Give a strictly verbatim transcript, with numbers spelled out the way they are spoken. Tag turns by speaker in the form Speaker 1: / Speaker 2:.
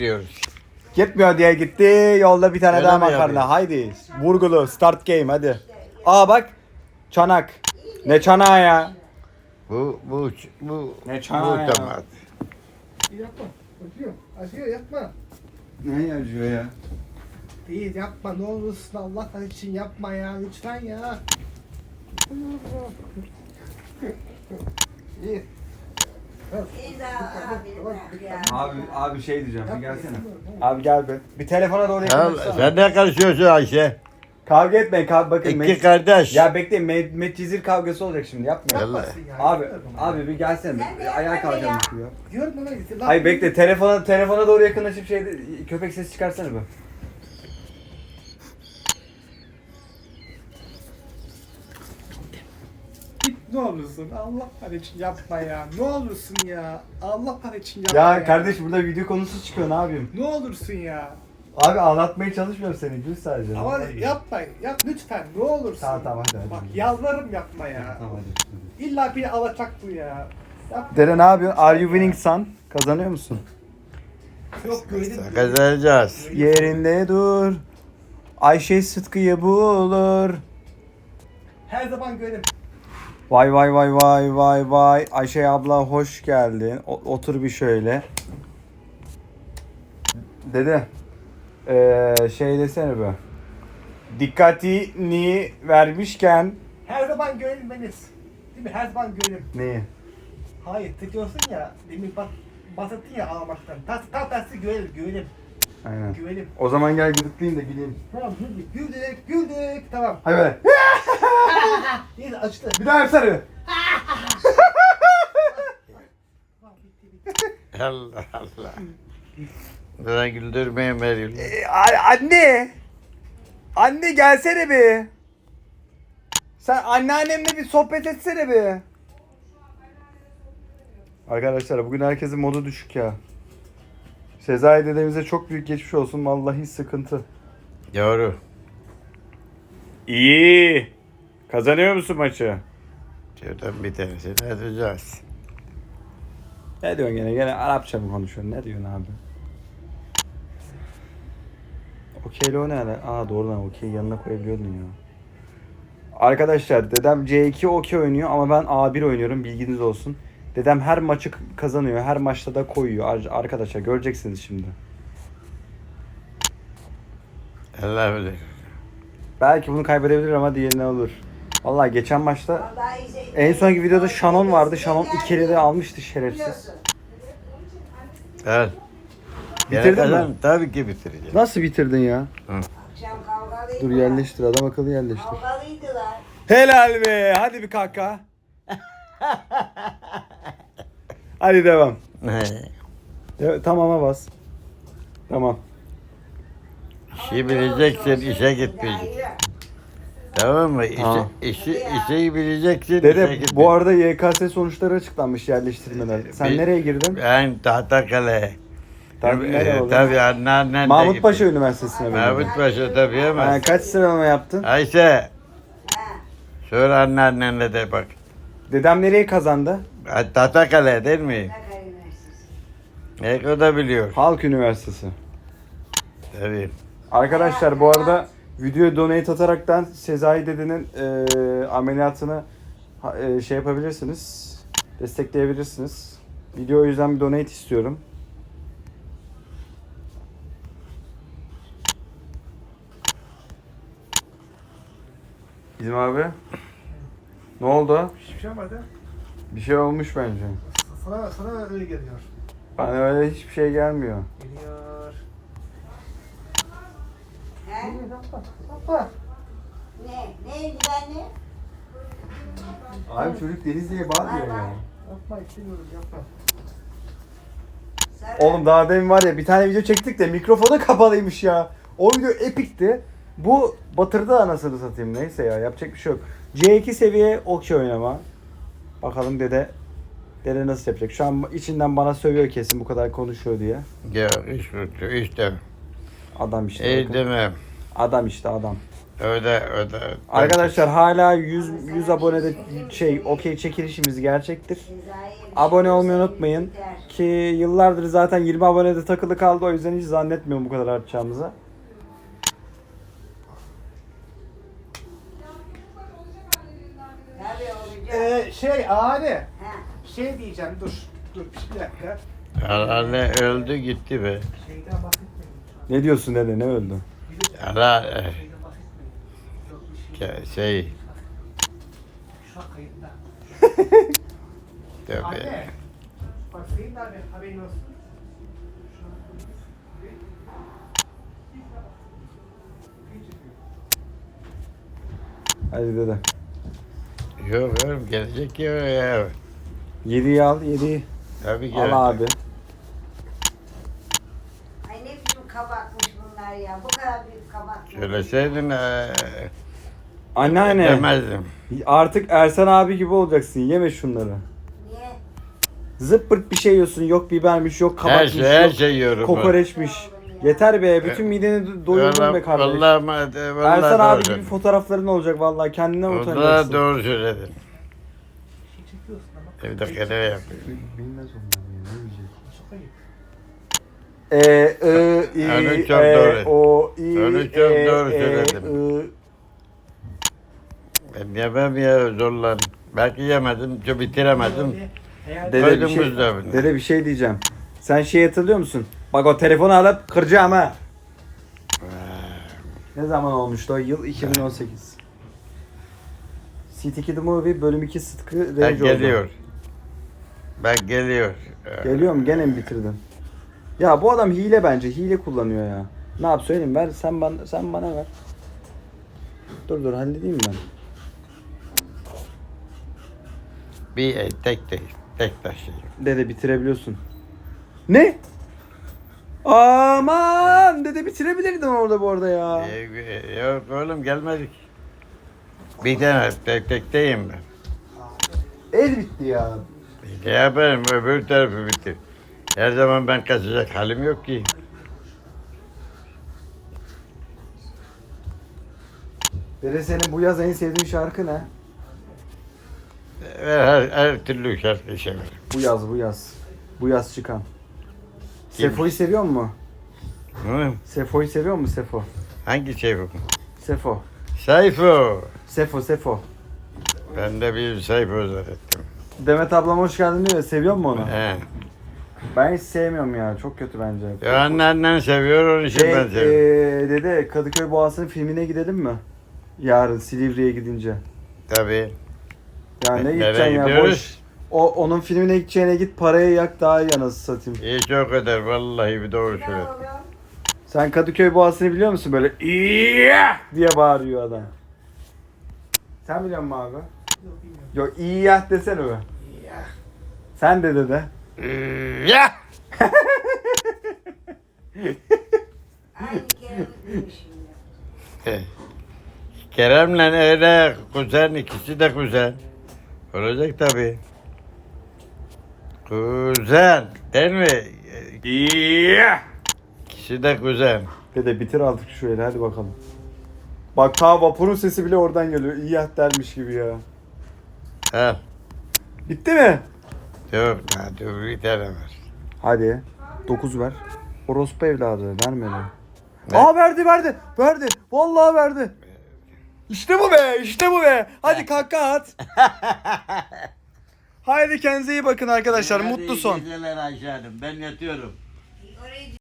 Speaker 1: diyoruz.
Speaker 2: Gitmiyor diye gitti. Yolda bir tane
Speaker 1: Öyle
Speaker 2: daha
Speaker 1: mi
Speaker 2: makarna.
Speaker 1: yapıyor?
Speaker 2: Haydi. Vurgulu. Start game hadi. Aa bak. Çanak. Ne çanağı ya?
Speaker 1: Bu bu bu
Speaker 2: Ne
Speaker 1: bu
Speaker 2: çanağı ya?
Speaker 1: tamam.
Speaker 3: Yapma. Acıyor. Acıyor yapma.
Speaker 2: Ne yazıyor ya?
Speaker 3: Değil yapma ne olursun Allah için yapma ya lütfen ya. İyi.
Speaker 2: Abi abi şey diyeceğim. Bir gelsene. Abi gel be. Bir telefona doğru
Speaker 1: Ya,
Speaker 2: yakınlaşsana.
Speaker 1: sen ne karışıyorsun Ayşe?
Speaker 2: Kavga etmeyin. Kav bakın.
Speaker 1: İki
Speaker 2: Met-
Speaker 1: kardeş.
Speaker 2: Ya bekleyin. Met, Met Cizir kavgası olacak şimdi. Yapmayın.
Speaker 1: Vallahi.
Speaker 3: Yapmasın ya.
Speaker 2: Abi abi bir gelsene. Bir ayağa kalkalım ya.
Speaker 3: Diyorum ona gitti. Lan-
Speaker 2: Hayır bekle. Telefona telefona doğru yakınlaşıp şey köpek sesi çıkarsana be.
Speaker 3: Git ne olursun Allah için yapma ya. Ne olursun ya. Allah için yapma ya.
Speaker 2: Ya kardeş burada video konusu çıkıyor. Ne yapayım?
Speaker 3: Ne olursun ya.
Speaker 2: Abi anlatmaya çalışmıyorum seni. Gül sadece.
Speaker 3: Ama yapma. Yap lütfen ne olursun.
Speaker 2: Tamam tamam hadi hadi.
Speaker 3: Bak yalvarırım yapma ya.
Speaker 2: Tamam hadi.
Speaker 3: İlla bir alacak bu ya. Yap.
Speaker 2: Dere ne yapıyorsun? Are you winning son? Kazanıyor musun?
Speaker 3: Yok gördüm.
Speaker 1: Kazanacağız.
Speaker 2: Yerinde dur. Ayşe Sıtkı'yı bulur.
Speaker 3: Her zaman gördüm.
Speaker 2: Vay vay vay vay vay vay. Ayşe abla hoş geldin. O- otur bir şöyle. Dede. Ee, şey desene be. Dikkatini vermişken.
Speaker 3: Her zaman görelim beniz. Değil mi? Her zaman görelim.
Speaker 2: Neyi?
Speaker 3: Hayır, tıkıyorsun ya. Demin bak bahsettin ya ağlamaktan. Ta ta tersi görelim, görelim,
Speaker 2: Aynen.
Speaker 3: görelim.
Speaker 2: O zaman gel gıdıklayayım da güleyim.
Speaker 3: Tamam, güldük, güldük, güldük. Tamam.
Speaker 2: Hadi böyle.
Speaker 3: İyi açtı.
Speaker 2: Bir daha yapsana.
Speaker 3: Tamam, bitti, bitti.
Speaker 1: Allah Allah. Bana güldürmeyin Meryem.
Speaker 2: Ee, a- anne. Anne gelsene be. Sen anneannemle bir sohbet etsene be. Arkadaşlar bugün herkesin modu düşük ya. Sezai dedemize çok büyük geçmiş olsun. Vallahi sıkıntı.
Speaker 1: Doğru.
Speaker 2: İyi. Kazanıyor musun maçı?
Speaker 1: Şuradan bir tanesini atacağız.
Speaker 2: Ne diyorsun gene? Gene Arapça mı konuşuyorsun? Ne diyorsun abi? Okeyli o ne ala? Aa doğru lan okey yanına koyabiliyordun ya. Arkadaşlar dedem C iki okey oynuyor ama ben A bir oynuyorum bilginiz olsun. Dedem her maçı k- kazanıyor. Her maçta da koyuyor. Ar- Arkadaşlar göreceksiniz şimdi.
Speaker 1: Allah bilir.
Speaker 2: Belki bunu kaybedebilir ama diğerine olur. Vallahi geçen maçta en sonki videoda Shannon vardı. Shannon ikili de almıştı şerefsiz.
Speaker 1: Gel.
Speaker 2: Bitirdin
Speaker 1: Gene
Speaker 2: mi?
Speaker 1: kazan, tabii ki bitireceğim.
Speaker 2: Nasıl bitirdin ya?
Speaker 4: Akşam kavgalıydılar.
Speaker 2: Dur yerleştir adam akıllı yerleştir.
Speaker 4: Kavgalıydılar.
Speaker 2: Helal be. Hadi bir kaka. Hadi devam. De- tamama bas. Tamam.
Speaker 1: İşi bileceksin, işe gitmeyeceksin. Tamam mı? İşi,
Speaker 2: Tamam.
Speaker 1: işi, işi bileceksin, işe
Speaker 2: Dede
Speaker 1: gitmeyeceksin.
Speaker 2: bu arada Y K S sonuçları açıklanmış yerleştirmeler. Sen
Speaker 1: Bir-
Speaker 2: nereye girdin?
Speaker 1: Ben Tahtakale.
Speaker 2: Tabii,
Speaker 1: Tabii,
Speaker 2: nereye
Speaker 1: e,
Speaker 2: oldu?
Speaker 1: tabii anneannen de
Speaker 2: Mahmut
Speaker 1: gitti.
Speaker 2: Paşa Üniversitesi'ne mi?
Speaker 1: Mahmut Paşa tabii ama.
Speaker 2: Ha, kaç sıralama yaptın?
Speaker 1: Ayşe,
Speaker 4: Ha.
Speaker 1: sor anneannenle de bak.
Speaker 2: Dedem nereye kazandı?
Speaker 1: Tahtakale değil mi?
Speaker 4: Sakarya Üniversitesi.
Speaker 1: E, o da biliyor.
Speaker 2: Halk Üniversitesi.
Speaker 1: Tabii.
Speaker 2: Arkadaşlar bu arada videoya donate ataraktan Sezai dedenin e, ameliyatını ha- e, şey yapabilirsiniz. Destekleyebilirsiniz. Video o yüzden bir donate istiyorum. İzim abi. Ne oldu?
Speaker 3: Hiçbir şey olmadı.
Speaker 2: Bir şey olmuş bence.
Speaker 3: Sana, sana öyle geliyor.
Speaker 2: Bana öyle hiçbir şey gelmiyor.
Speaker 3: Geliyor.
Speaker 4: He?
Speaker 3: Yapma, yapma.
Speaker 4: Ne? Neydi anne?
Speaker 2: Abi çocuk Denizli'ye bağırıyor ya.
Speaker 3: Yapma, istemiyorum, yapma.
Speaker 4: Sarı.
Speaker 2: Oğlum daha demin var ya bir tane video çektik de mikrofonu kapalıymış ya. O video epikti. Bu batırdı anasını satayım neyse ya yapacak bir şey yok. C iki seviye okey oynama. Bakalım dede dede nasıl yapacak. Şu an içinden bana sövüyor kesin bu kadar konuşuyor diye.
Speaker 1: Ya iş bitti, işte.
Speaker 2: Adam işte.
Speaker 1: İyi
Speaker 2: bakın.
Speaker 1: demem.
Speaker 2: Adam işte adam.
Speaker 1: Öde öde.
Speaker 2: Arkadaşlar hala yüz yüz abonede şey okey çekilişimiz gerçektir. Abone olmayı unutmayın ki yıllardır zaten yirmi abonede takılı kaldı, o yüzden hiç zannetmiyorum bu kadar artacağımıza.
Speaker 4: Tabii olacak.
Speaker 3: Ee, şey abi.
Speaker 4: Ha.
Speaker 3: Şey diyeceğim dur. Dur bir dakika.
Speaker 1: Anne öldü gitti be.
Speaker 3: Şeyden bahsetmeyin.
Speaker 2: Ne diyorsun dede, ne öldü?
Speaker 1: Ara e,
Speaker 3: Şeyden bahsetmeyin. Yok bir şey.
Speaker 1: ke- şey
Speaker 3: Şu an kayıtta.
Speaker 1: tabii.
Speaker 3: Anne. Bak senin de abi haberin olsun. Şu an
Speaker 2: Hadi dede.
Speaker 1: Yok oğlum gelecek ya ya.
Speaker 2: yediyi al, yediyi.
Speaker 1: Tabii gelecek.
Speaker 2: Al abi.
Speaker 4: Ay ne biçim kabakmış bunlar ya. Bu kadar büyük kabak.
Speaker 1: Söyleseydin e,
Speaker 2: Anneanne.
Speaker 1: demezdim.
Speaker 2: Artık Ersan abi gibi olacaksın. Yeme şunları.
Speaker 4: Niye?
Speaker 2: Zıppırt bir şey yiyorsun. Yok bibermiş, yok
Speaker 1: Her
Speaker 2: kabakmış,
Speaker 1: şey her
Speaker 2: yok
Speaker 1: şey yiyorum. ben.
Speaker 2: kokoreçmiş. Yeter be. Bütün mideni do- doyurdun be
Speaker 1: Vallahi-
Speaker 2: kardeş.
Speaker 1: Vallahi, vallahi, vallahi
Speaker 2: Ersan abi
Speaker 1: doğru
Speaker 2: gibi
Speaker 1: söyledin.
Speaker 2: fotoğrafların olacak vallahi. Kendinden
Speaker 1: Vallahi
Speaker 2: utanacaksın.
Speaker 1: doğru söyledin.
Speaker 3: şey çekiyorsun ama.
Speaker 1: Bir dakika ne yapayım?
Speaker 2: Bilmez onlar ya. Ne diyecek?
Speaker 3: Çok ayıp.
Speaker 2: E, I,
Speaker 1: Onu
Speaker 2: I,
Speaker 1: çok
Speaker 2: E,
Speaker 1: doğru.
Speaker 2: O, I,
Speaker 1: Onu çok
Speaker 2: E,
Speaker 1: doğru
Speaker 2: E,
Speaker 1: söyledin.
Speaker 2: I.
Speaker 1: Ben yemem ya zorlandım. Belki yemedim, çok bitiremedim.
Speaker 3: Eğer
Speaker 2: Dede bir,
Speaker 1: Koydum
Speaker 2: şey,
Speaker 1: buzdolabına.
Speaker 2: dede bir şey diyeceğim. Sen şey hatırlıyor musun? Bak o telefonu alıp kıracağım ha. Ne zaman olmuştu o? Yıl iki bin on sekiz. City Kid Movie bölüm iki Sıtkı
Speaker 1: Ben
Speaker 2: Revci oldu.
Speaker 1: geliyor. Ben geliyor.
Speaker 2: Geliyor mu? Gene mi bitirdin? Ya bu adam hile bence. Hile kullanıyor ya. Ne yap söyleyeyim, ver sen bana sen bana ver. Dur dur halledeyim ben.
Speaker 1: Bir e, tek tek tek taşıyayım.
Speaker 2: Dede bitirebiliyorsun. Ne? Aman dede bitirebilirdin orada bu arada ya.
Speaker 1: Ee, e, Yok oğlum gelmedik. Bir tane tek tekteyim ben.
Speaker 2: El bitti ya.
Speaker 1: Ne yapayım öbür tarafı bitir. Her zaman ben kaçacak halim yok ki.
Speaker 2: Dede senin bu yaz en sevdiğin şarkı ne?
Speaker 1: Her, her türlü şarkı severim.
Speaker 2: Bu yaz bu yaz. Bu yaz çıkan.
Speaker 1: Kim?
Speaker 2: Sefo'yu seviyor mu?
Speaker 1: Hı?
Speaker 2: Sefo'yu seviyor mu Sefo?
Speaker 1: Hangi şey bu?
Speaker 2: Sefo.
Speaker 1: Sayfo.
Speaker 2: Sefo Sefo.
Speaker 1: Ben de bir sayfa öğrettim.
Speaker 2: Demet ablam hoş geldin diyor ya, seviyor mu onu?
Speaker 1: He.
Speaker 2: Ben hiç sevmiyorum ya, çok kötü bence.
Speaker 1: Ya annen seviyor onun için
Speaker 2: Şey,
Speaker 1: ben seviyorum.
Speaker 2: ee, dede Kadıköy Boğazı'nın filmine gidelim mi? Yarın Silivri'ye gidince.
Speaker 1: Tabii.
Speaker 2: Ya ne
Speaker 1: Nereye
Speaker 2: gideceksin ya, boş.
Speaker 1: gidiyoruz?
Speaker 2: O onun filmine gideceğine git, parayı yak daha iyi anasını satayım.
Speaker 1: İyi çok eder vallahi bir doğru
Speaker 4: Ne
Speaker 1: söyle.
Speaker 4: oğlum?
Speaker 2: Sen Kadıköy Boğazı'nı biliyor musun? Böyle İyyah diye bağırıyor adam. Sen biliyor musun abi?
Speaker 3: Yok bilmiyorum.
Speaker 2: Yok İyyah desene be.
Speaker 3: Ya.
Speaker 2: Sen de dede.
Speaker 1: Ya!
Speaker 4: Aynı kelime demiş şimdi.
Speaker 1: Kerem'le öyle kuzen, ikisi de kuzen. Olacak tabii. Kuzen, değil mi?
Speaker 2: İyyah.
Speaker 1: İkisi de kuzen.
Speaker 2: Dede bitir artık şu eli, hadi bakalım. Bak ta vapurun sesi bile oradan geliyor. İyyah dermiş gibi ya.
Speaker 1: Ha,
Speaker 2: Bitti mi?
Speaker 1: yok daha dur bir tane var.
Speaker 2: Hadi. dokuz ver. Orospu evladı vermedi.
Speaker 1: Ne?
Speaker 2: Aa verdi verdi. Verdi. Vallahi verdi. İşte bu be. İşte bu be. Hadi kahkaha at. Haydi kendinize iyi bakın arkadaşlar. Mutlu son.
Speaker 1: Geceler Ayşe Hanım, ben yatıyorum.
Speaker 4: Orayı